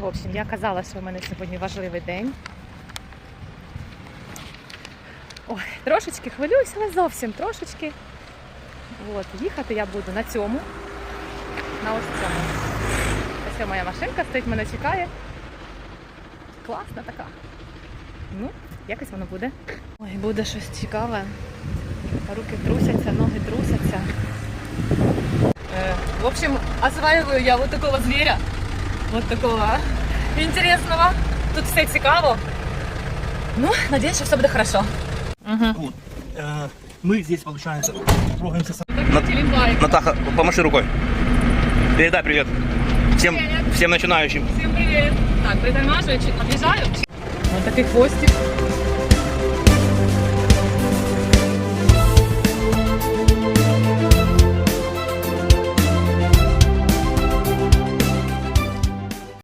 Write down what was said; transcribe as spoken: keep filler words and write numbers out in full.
В общем, я казала, що в мене сьогодні важливий день. Ой, трошечки хвилююся, але зовсім трошечки. От, їхати я буду на цьому. На ось цьому. Ось моя машинка стоїть, мене чекає. Класна така. Ну, якось воно буде. Ой, буде щось цікаве. Руки трусяться, ноги трусяться. Э, в общем, осваиваю я вот такого зверя. Вот такого интересного. Тут все цікаво. Ну, надеюсь, что все будет хорошо. Угу. Вот. Э, мы здесь, получается, трогаемся с... Натаха, помаши рукой. Передай привет. Всем, Привет. всем начинающим. Всем привет. Так, притормаживаю, отъезжаю. Вот такой хвостик.